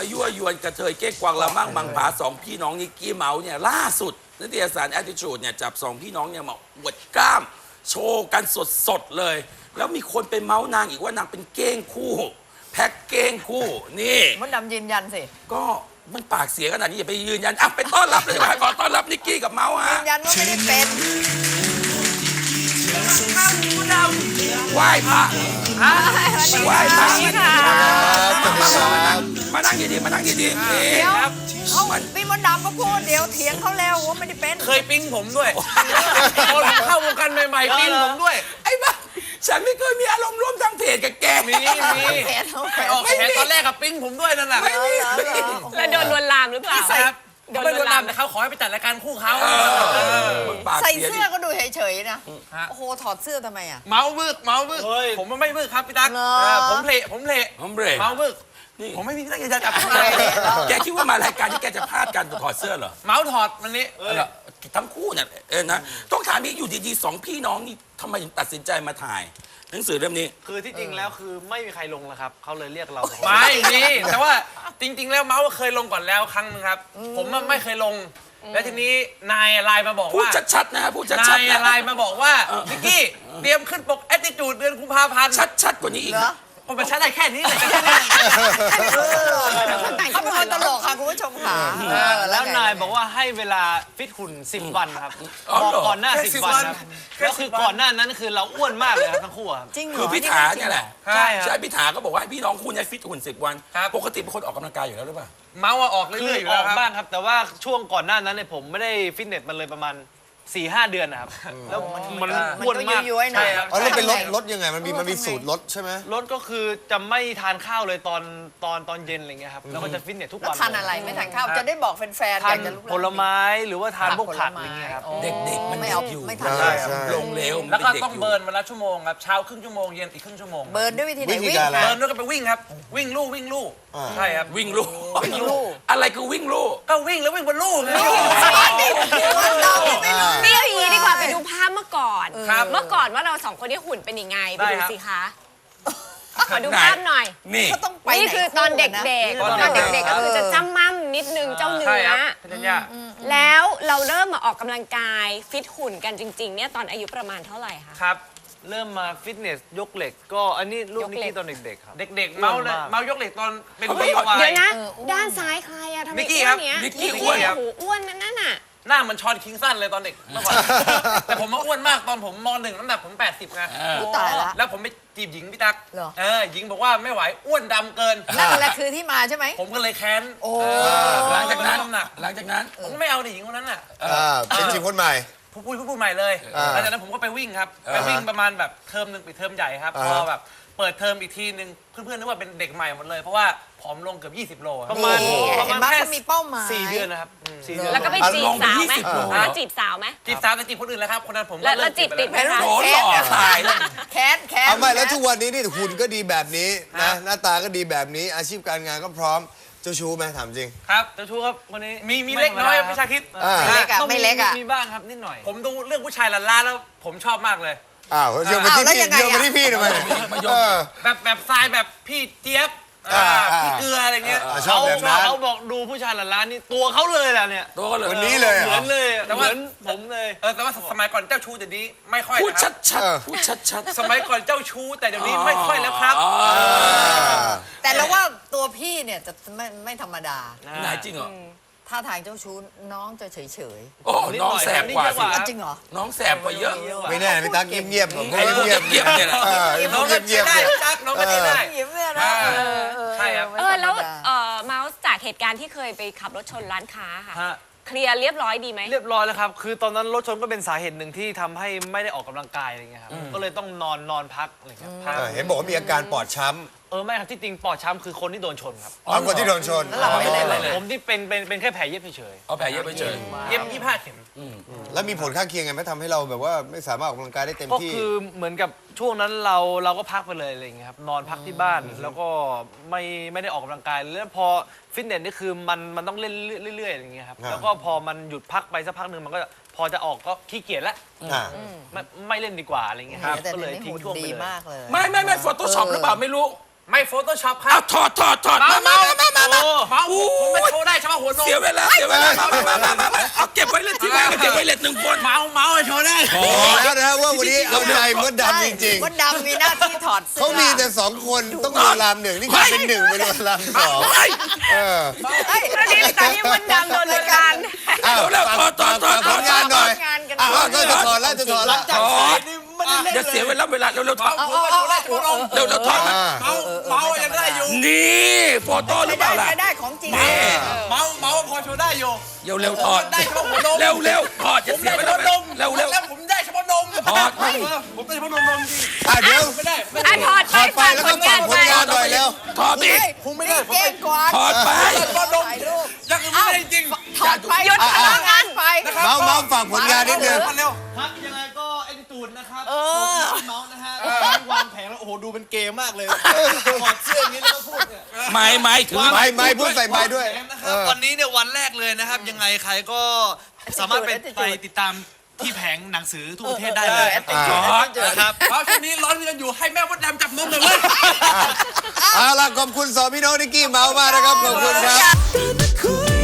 ยั่วยวนกระเทยเก้งกวางละมั่งมังผาสองพี่น้องนิกกี้เมาส์เนี่ยล่าสุดนิตยสาร Attitude เนี่ยจับสองพี่น้องเนี่ยมาอวดกล้ามโชว์กันสดๆเลย แล้วมีคนไปเมาส์นางอีกว่านางเป็นเก้งคู่ แพ็คเก้งคู่นี่มดดำยืนยันสิก็มันปากเสียขนาดนี้อย่าไปยืนยันอ่ะไปต้อนรับเลยดีกว่าขอต้อนรับนิกกี้กับเมาส์ยืฮะนยันว่าไม่ได้เป็นไหว้พระไหว้พระค่ะมานั่งดีๆมานั่งดีๆนี่เดี๋ยวเขาพี่มดดำก็พูดเดี๋ยวเถียงเขาแล้วว่าไม่ได้เป็นเคยปิ๊งผมด้วยตอนเข้าวงการใหม่ๆปิ๊งผมด้วยไอ้บ้าฉันไม่เคยมีอารมณ์ร่วมทางเพจกับแกมีไปออกแขนตอนแรกกับปิ๊งผมด้วยนั่นแหละไม่มีแล้วโดนลวนลามหรือเปล่าครับไม่โดนลามแต่เขาขอให้ไปจัดรายการคู่เขามึงปากใส่เสียเสื้อก็ดูเฉยๆนะโอ้โหถอดเสื้อทำไมอ่ะเมาบึกผมไม่บึกครับพี่ตั๊กเหรอผมเพลผมเบรกเมาบึกนี่ผมไม่มีตั้งใจจะจับแกคิดว่ามารายการที่แกจะพลาดการถอดเสื้อเหรอเมาถอดวันนี้ทั้งคู่เนี่ยนะต้องถามอีกอยู่ดีๆสองพี่น้องนี่ทำไมถึงตัดสินใจมาถ่าย หนังสือเล่มนี้คือที่จริงแล้วคือไม่มีใครลงแล้วครับเขาเลยเรียกเราไม่มีแต่ว่าจริง ๆ แล้วเมาส์เคยลงก่อนแล้วครั้งนึงครับ ผมไม่เคยลง แล้วทีนี้นายไลน์มาบอกพูดว่าชัดๆนะฮะพูดชันาดยๆนะไลน์มาบอกว่านิกกี้เตรียมขึ้นปก Attitude เดือนกุมภาพันธ์ชัดๆกว่านี้อีกเหรอนะผมมาใช้ได้แค่นี้เลยแค่นี้เขาเป็นคนตลกค่ะคุณผู้ชมค่ะแล้วไงนายบอกว่าให้เวลาฟิตหุ่น10 วันครับอ๋อบอกเหรอก่อนหน้า10 วันครับแล้วคือก่อนหน้านั้นคือเราอ้วนมากเลยครับทั้งคู่ครับจริงเหรอคือพี่ถาเนี่ยแหละใช่ครับใช่พี่ถาก็บอกว่าให้พี่น้องคุณเนี่ยฟิตหุ่น10 วันครับปกติเป็นคนออกกำลังกายอยู่แล้วหรือเปล่าเมาส์ออกเรื่อยๆอยู่อแล้อวกครับบ้างครับ แต่ว่าช่วงก่อนหน้านั้นเนี่ยผมไม่ได้ฟิตเนสมันเลยประมาณ 4-5 เดือนนะครับแล้วมันอ้วนมากย้วยๆหน่อยใช่ครับอ๋อแล้วเป็นลดยังไงมันมีสูตรลดใช่ไหมรถก็คือจะไม่ทานข้าวเลยตอนเย็นอะไรเงี้ยครับแล้วก็จะฟิตเนสทุกแล้ววันทานอะไรไม่ทานข้าวจะได้บอกแฟนๆอทานยากจะรู้ผลไม้หรือว่าทานพวกผักอะไรเงี้ยครับเด็กๆมันไม่เด็เอากอยู่ไม่ทานใช่ใช่ลงเร็วมันแล้วก็ป็นด็ต้องยู่เบิร์นวันละชั่วโมงครับเช้าครึ่งชั่วโมงเย็นอีกครึ่งชั่วโมงเบิร์นด้วยวิธีไหนวิธีวิ่งการอะไรเบิร์นแล้วก็ไปวิ่งครับ วิ่งลู่อ่าใช่ครับวิ่งลู่วิ่งลู่อะไรคือวิ่งลู่ก็วิ่งแล้ววิ่งบนลู่ไงนี่เอาอย่างนี้ดีกว่าไปดูภาพเมื่อก่อนครับเมื่อก่อนว่าเราสองคนที่หุ่นเป็นยังไง ไปได้ดูครับสิคะ ขอดูภาพหน่อยนี่เขาต้องไปนี่คือตอนเด็กๆ ตอนเด็กๆก็คือจะจ้ำม่ำนิดนึงเจ้าเนื้ใช่อครับพี่ธัญญาแล้วเราเริ่มมาออกกำลังกายฟิตหุ่นกันจริงๆเนี่ยตอนอายุประมาณเท่าไหร่คะครับเริ่มมาฟิตเนสยกเหล็กก็อันนี้รูปยกนิกเหล็กกี้ตอนเด็กๆครับเด็กๆเมาเลยเมายกเหล็กตอนเป็นปีวาเดี๋ยวย นะ ด้านซ้ายใครอะทำไมนิกกี้อ้ครัวนบเนี้ยนิกกี้โอ้อ้วนโหอ้วนนั่นน่ะหน้าเหมันชอนคิงสันเลยตอนเด็กเมื่อก่อนแต่ผมมาอ้วนมากตอนผมม .1 น้ำหนักผม 80ไงอุ๊ยตายละแล้วผมไปจีบหญิงพี่ตั๊กเหรอหญิงบอกว่าไม่ไหวอ้วนดำเกินนั่นแหละคือที่มาใช่ไหมผมก็เลยแค้นโอ้หลังจากนั้นน้ำหนักหลังจากนั้นผมก็ไม่เอาดิหญิงคนนั้นน่ะเป็นจริงคนใหม่พูดใหม่เลยอ่าหลังจากนั้นผมก็ไปวิ่งครับ ไปวิ่งประมาณแบบเทอมหนึ่งปิดเทอมใหญ่ครับ พอแบบเปิดเทอมอีกทีหนึ่งเพื่อนๆนึกว่าเป็นเด็กใหม่หมดเลย เพราะว่าผอมลงเกือบ20 โลอะประมาณนี่ประมาณเห็นไหมแค่เขามีเป้าหมาย 4 เดือนนะครับ4 เดือนแล้วก็ไปจีบสาวไหมลงไป20 โลแล้วจีบสาวไหมจีบสาวแต่จีบคนอื่นแล้วครับ คนนั้นผมแล้วเลิกจีบไปติดไหมแล้วคะโหหล่อตายแล้วแค้นเอาไม่แล้วทุกวันนี้นี่หุ่นก็ดีแบบนี้นะหน้าตาก็ดีแบบนี้อาชีพการงานก็พร้อมเจ้าชู้ไหมถามจริงครับเจ้าชู้ครับคนนี้มีเล็กน้อยพี่ชาคิดไม่เล็กอะก็ไม่เล็กอะมีบ้างครับนิดหน่อยผมดูเรื่องผู้ชายลันล่าแล้วผมชอบมากเลยอ้าวโยนมาที่อ้าวแล้วพี่ยังไงโยนมาอะที่พี่ทำไมมาโยนเออแบบทรายแบบพี่เจี๊ยบ พี่เกลืออะไรเงี้ยชอบแบบนั้นเขาบอกดูผู้ชายหลานล้านนี่ตัวเขาเลยแหละเนี่ยตัวก็เลยวันนี้เลยเหรเหมืออนเลยแต่เหว่ามือนผมเลยแต่ว่าสมัยก่อนเจ้าชู้เดี๋ยวนี้ไม่ค่อยพูดนะครับชัดเออๆพูดชัดๆสมัยก่อนเจ้าชู้แต่เดี๋ยวนี้ไม่ค่อยแล้วครับแต่เราว่าตัวพี่เนี่ยจะไม่ธรรมดาไหนจริงเหรอท่าทางเจ้าชู้น้องจะเฉยโอ้น้องแสบกว่าสิๆอ่ะจริงเหรอน้องแสบกว่าเยอะไม่แน่พี่ตั๊กเงียบๆผมไอ้พวกเงียบเงียบๆเนี่ยแหละไอ้พน้วอก งก็เงีใช้ยบๆได้เนี่ยจักน้องก็ใช้ได้ยิ้มเลยนะใช่ครับแล้วไม่ธรรมดาเมาส์จากเหตุการณ์ที่เคยไปขับรถชนร้านค้าค่ะฮะเคลียร์เรียบร้อยดีไหมเรียบร้อยแล้วครับ คือตอนนั้นรถชนก็เป็นสาเหตุหนึ่งที่ทำให้ไม่ได้ออกกำลังกายอะไรเงี้ยครับ ก็เลยต้องนอนพักอะไรเงี้ยพักเห็นบอกว่ามีอาการปอดช้ไม่ครับที่จริงปอดช้ำคือคนที่โดนชนครับำอ๋อคนที่โดนชนแล้วเราไม่ได้เลยผมที่เป็นแค่แผลเย็บเฉยเอาแผลเย็บไปเฉยเย็บ25 เข็มแล้วมีผลข้างเคียงไงไหมทำให้เราแบบว่าไม่สามารถออกกำลังกายได้เต็มๆก็ที่คือเหมือนกับช่วงนั้นเราก็พักไปเลยอะไรเงี้ยครับนอนพักที่บ้านแล้วก็ไม่ได้ออกกำลังกายแล้วพอฟิตเนสนี่คือมันต้องเล่นเรื่อยๆอย่างเงี้ยครับครับแล้วก็พอมันหยุดพักไปสักพักหนึ่งมันก็พอจะออกก็ขี้เกียจแล้วอ่าไม่เล่นดีกว่าอะไรเงี้ยครับแต่ก็เดี๋เลยยวนี้ทิ้งหุ่นช่วงไปดีเลยมากเลยไม่โฟโต้ช็อปหรือเปล่าไม่รู้ไม่โฟโต้ช็อปครัเอาบถอดมาเมาผมไม่โชว์ได้เฉพาะหัวนมเสียเวลามาเอาเก็บไว้เลยที่บ้านเก็บไว้เลย1 คนเมาโชว์ได้บอกแล้วนะว่าวันนี้เอาใจมดดำจริงมดดำมีหน้าที่ถอดๆเสื้อเขามีแต่2 คนต้องลวนลาม1นี่คือเป็น1ไปลวนลาม2 เฮ้ยเฮ้ยตอนนี้มดดำโดนรายการอ้าวเร็วๆถอดผลงานหน่อยงานกันอ้าวก็จะถอดแล้วจะถอดแล้วถอดเดี๋ยวเสียเวลาเร็วๆถอดเอาเร็วๆถอดเมายังได้อยู่นี่โฟโต้หรือเปล่าล่ะไม่ได้ของจริงเมาพอโชว์ได้อยู่เร็วๆถอดได้เฉพาะหัวนมเร็วๆถอดอย่าเสียเวลาเร็วแล้วผมได้เฉพาะนมถอดผมได้เฉพาะนมจริงเดี๋ยวไม่ได้อ่ะถอดถไปอดไปฝากแล้วผก็ลฝางาก นผลไปงานหน่อยเร็วถอดอีกผมไม่ได้เก้งกวาดถอดไปถ่ายรูปยังอื่นไม่ได้จริงถอดไปหยุดทำงานไปเมาฝากผลงานนิดนึงเร็วครับยังไงก็เอ็นตูนนะครับอเมาส์นะฮะวางแผงแล้วโอ้โหดูเป็นเกมมากเลยถอดเสื้ออย่างนี้แล้วก็พูดเนี่ยไม่ถือไม่พูดใส่ไม้ด้วยนะครับวันนี้เนี่ยวันแรกเลยนะครับ ยังไงใครก็สามารถไปติดตามที่แผงหนังสือทุกประเทศได้เลยถอดนะครับเพราะช่วงนี้ร้อนกันอยู่ให้แม่มดดำจับนมหน่อยเลยเอาล่ะขอบคุณ2 พี่น้องนิกกี้เมาส์มากนะครับขอบคุณครับ